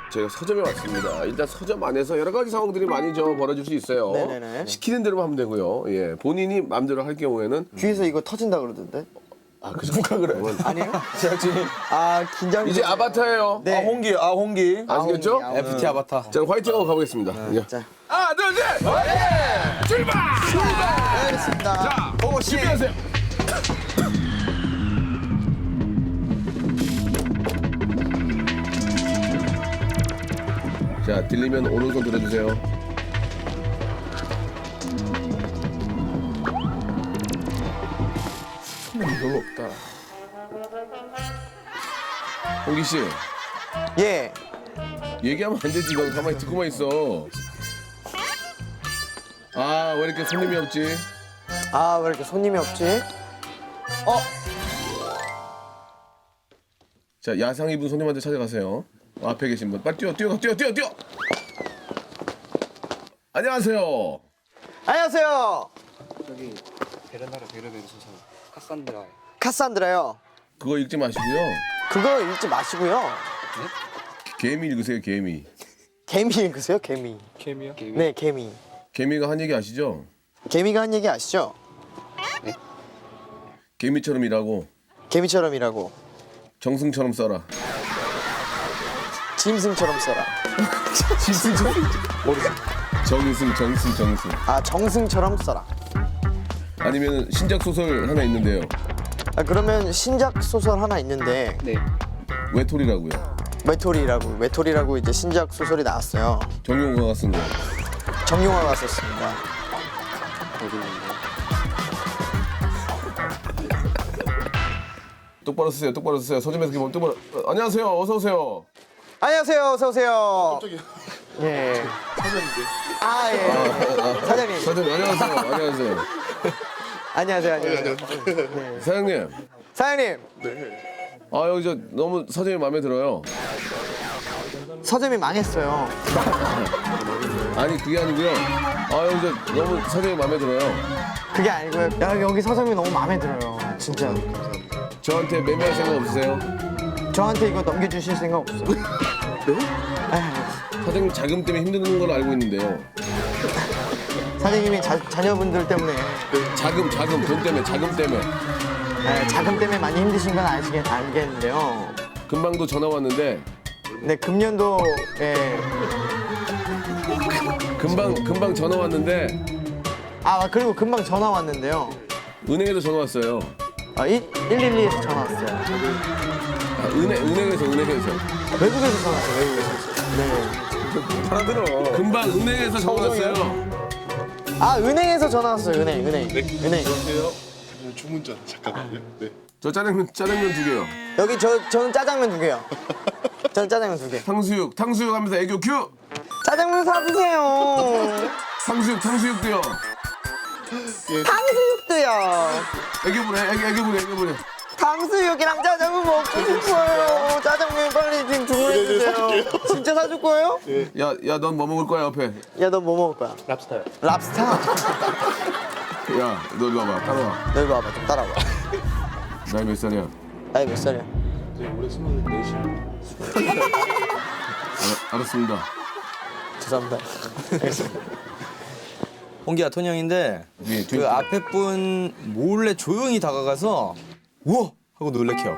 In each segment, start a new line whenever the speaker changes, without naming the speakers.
저희가 서점에 왔습니다. 일단 서점 안에서 여러 가지 상황들이 많이 벌어질 수 있어요.
네네네.
시키는 대로 하면 되고요. 예, 본인이 마음대로 할 경우에는
귀에서 이거 터진다 그러던데.
그 정도가 그래.
아니에요?
제작진이
아 긴장.
이제 아바타예요.
네.
홍기
아시겠죠?
아웅이.
FT 아바타.
자, 화이팅하고 가보겠습니다. 예.
자,
하나, 둘, 셋! 화이팅! 출발!
알겠습니다.
자, 준비하세요. 자, 들리면 오른손 들어주세요.
별로 없다.
홍기 씨,
예.
얘기하면 안 되지. 넌 가만히 듣고만 있어. 아, 왜 이렇게 손님이 없지?
아 왜 이렇게 손님이 없지?
자, 야상 입은 손님한테 찾아가세요. 앞에 계신 분, 빨리 뛰어. 안녕하세요.
안녕하세요.
여기 베르나르 베르베르 소설 카산드라.
카산드라요.
그거 읽지 마시고요.
그거 읽지 마시고요.
개미 읽으세요, 개미.
개미 읽으세요, 개미.
케미요?
네, 개미.
개미가 한 얘기 아시죠?
개미가 한 얘기 아시죠?
개미처럼 일하고
개미처럼 일하고
정승처럼 써라.
짐승처럼 써라.
정승.
아 정승처럼 써라.
아니면 신작 소설 하나 있는데요.
아 그러면 신작 소설 하나 있는데
네.
외톨이라고요.
외톨이라고 이제 신작 소설이 나왔어요.
정용화가 쓴 거.
정용화가 썼습니다.
어디 있는데?
똑바로 쓰세요. 서점에서 기본 똑바로. 안녕하세요. 어서 오세요.
안녕하세요, 어서 오세요. 깜짝이야. 예. 사장님인데. 아 예. 사장님.
사장님 안녕하세요.
안녕하세요.
사장님.
사장님.
아 여기 저 너무 서점이 마음에 들어요.
서점이 망했어요.
아니 그게 아니고요. 아 여기 저 너무 서점이 마음에 들어요.
그게 아니고요. 야, 여기 서점이 너무 마음에 들어요. 진짜.
저한테 매매할 생각 없으세요?
저한테 이거 넘겨주실 생각 없어요?
사장님 자금 때문에 힘드는 걸로 알고 있는데요.
사장님이 자녀분들 때문에
자금 돈 때문에 자금 때문에
자금 때문에 많이 힘드신 건 알겠는데요.
금방도 전화 왔는데
네, 금년도
금방 전화 왔는데
그리고 금방 전화 왔는데요.
은행에서 전화 왔어요.
112에서 전화 왔어요.
아, 은행에서
외국에서 전화 왔어요. 외국에서. 네.
알아들어. 금방 은행에서 전화 왔어요.
은행에서 전화 왔어요. 은행.
주문전 잠깐만요. 네.
저 짜장면 2개요.
여기 저는 짜장면 2개요. 저는 짜장면 2개.
탕수육 하면서 애교 큐.
짜장면 사주세요.
탕수육도요.
탕수육도요.
애교 부려.
탕수육이랑 짜장면 먹고 싶어요. 짜장면 빨리 지금 주문해주세요. 진짜 사줄 거예요?
야 넌 뭐 먹을 거야 옆에?
야, 너 뭐 먹을 거야?
랍스타요.
랍스터?
야 너 일로 와봐. 따라와.
너 이리 와봐, 좀 따라와.
나이 몇 살이야?
나이 몇 살이야?
올해 24이요.
알았습니다.
죄송합니다.
홍기야 톤 형인데
뒤에
그 앞에 분 몰래 조용히 다가가서 우와 하고 놀래켜.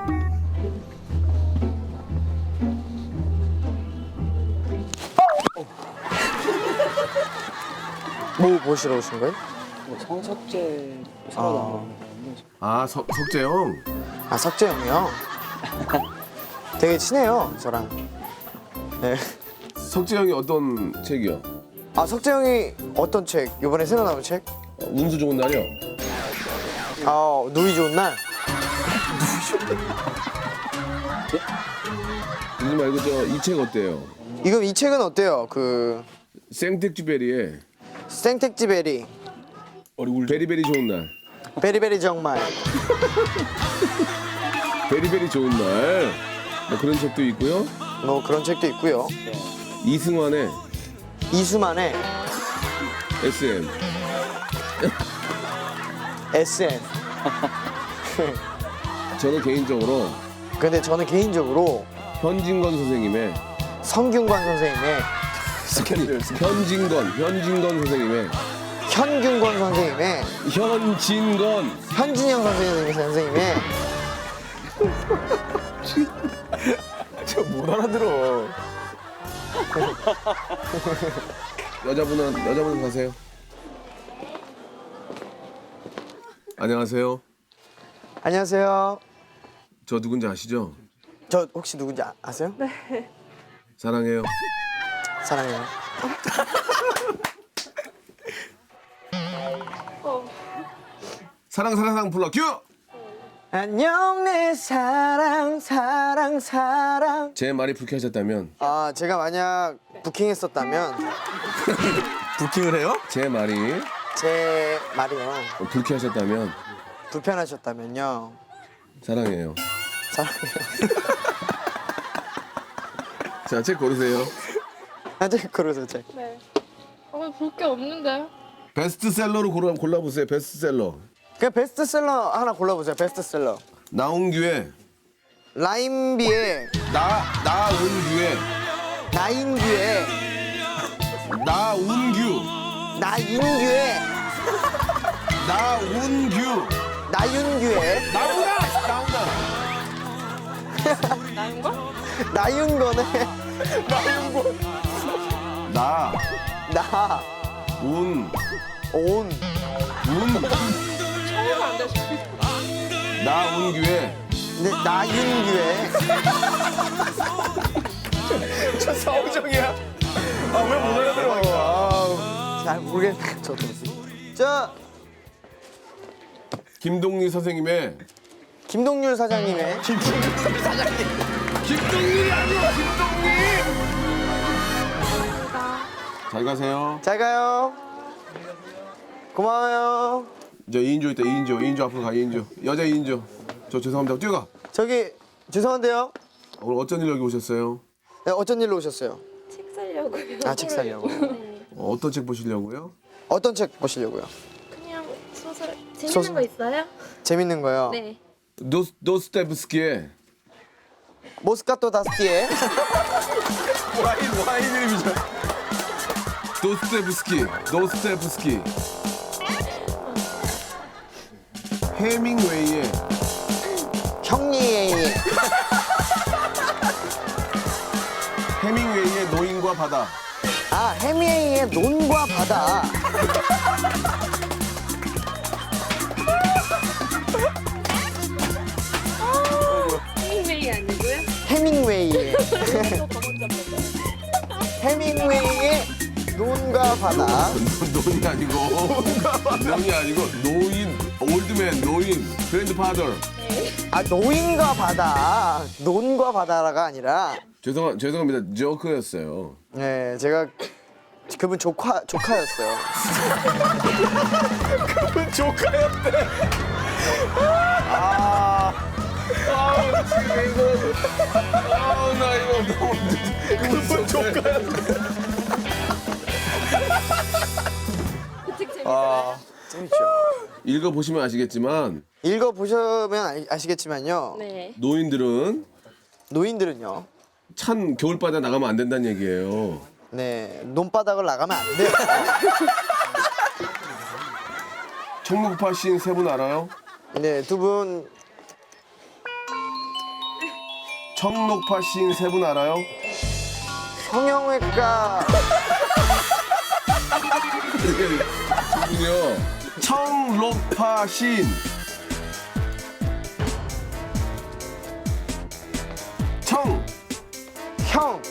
뭐 보시러 오신 거예요?
뭐 성석재 새로 나온 건데.
아 석재형.
석재 형이요? 되게 친해요, 저랑. 네.
석재형이 어떤 책이요?
석재 형이 어떤 책? 이번에 새로 나온 책?
운수 좋은 날이요.
누이 좋은 날?
그러지 말고 저 이 책 어때요?
이 책은 어때요?
생텍쥐베리의
생텍쥐베리.
베리베리 좋은 날.
베리베리 정말.
베리베리 좋은 날. 뭐 그런 책도 있고요.
뭐 그런 책도 있고요.
이승환의
이수만의
SM.
SN.
저는 개인적으로
근데 저는 개인적으로
현진건 선생님의
성균관 선생님의
현진건 선생님의
현균권 선생님의
현진건
현진영 선생님의
저 못 알아들어.
여자분은 가세요. 안녕하세요.
안녕하세요.
저 누군지 아시죠?
저 혹시 누군지 아세요? 네.
사랑해요.
사랑해요.
사랑 불러 큐.
안녕 내 사랑.
제 말이 불쾌하셨다면
아 제가 만약 부킹했었다면
부킹을 해요?
제 말이
제 말이요
불쾌하셨다면
불편하셨다면요
사랑해요.
사랑해요.
자, 책 고르세요.
아직 그러세요 책.
네. 볼 게 없는데.
베스트셀러로 골라보세요. 베스트셀러.
그냥 베스트셀러 하나 골라보세요. 베스트셀러.
나온규의
라임비의
나운규의
나인규의
나운규
나인규의
나운규
나윤규의
나온다.
나인가?
나윤건의
나운
나온
처음 안 되시.
나운규의
네, 나윤규의
저 서우정이야. 아 왜 못 알아들어?
잘 모르겠네 저도. 자
김동리 선생님의
김동률 사장님의
김동률이 아니고 김동리. 잘 가세요.
잘 가요. 고마워요.
저 2인조 있다. 2인조 앞으로 가. 2인조 여자 2인조. 저 죄송합니다. 뛰어가.
저기 죄송한데요.
오늘 어쩐 일로 여기 오셨어요?
네, 어쩐 일로 오셨어요?
책 살려고요.
아 책 사려고.
어떤 책 보시려고요?
어떤 책 보시려고요?
그냥 소설 재밌는
소설.
거 있어요?
재밌는 거요.
네.
도스토옙스키의
모스카토 다스키의
와인 이름이죠.
도스토옙스키 해밍웨이의
형리의
해밍웨이의 노인과 바다.
아 해미에이의 논과 바다.
헤밍웨이 아니고요?
해밍웨이의 해밍웨이의 논과 바다.
논이 아니고 노인 올드맨 노인 그랜드파더.
아 노인과 바다. 논과 바다가 아니라
죄송합니다. 조크였어요.
네 제가 그분 조카였어요.
그분 조카였대.
나 이거 너무
그분 조카였대.
그책 재밌어요?
재밌죠.
읽어 보시면 아시겠지만
읽어 보시면 아시겠지만요.
네.
노인들은
노인들은요.
찬 겨울바다 나가면 안 된다는 얘기예요.
네 논바닥을 나가면 안 돼요.
청록파 시인 세 분 알아요?
네 두 분
청록파 시인 세 분 알아요?
성형외과
분이요. 청록파 시인
형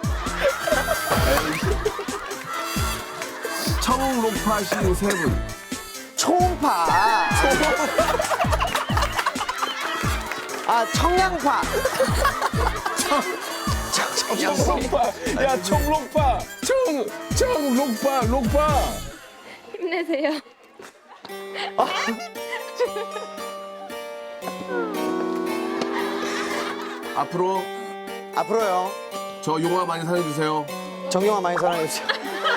청록파 시인 세 분.
초음파. 아 청양파.
청록파. 야 청록파.
록파.
힘내세요.
앞으로요.
저 용화 많이 사랑해주세요.
정영아 많이 사랑해주세요.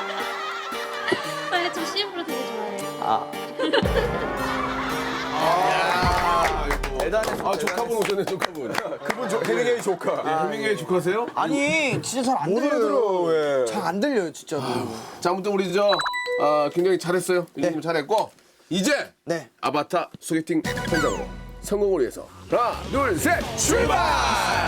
원래 저 CF로 되게 좋아해요.
아
아, 조카분 오셨네, 조카분. 그분 해밍웨이 조카. 예, 해밍웨이 조카세요?
아니 진짜 잘 안 들려요. 잘 안 들려요 진짜로.
자, 아무튼 우리 굉장히 잘했어요. 이 정도 잘했고 이제
네.
아바타 소개팅 현장으로 성공을 위해서 하나, 둘, 셋, 출발!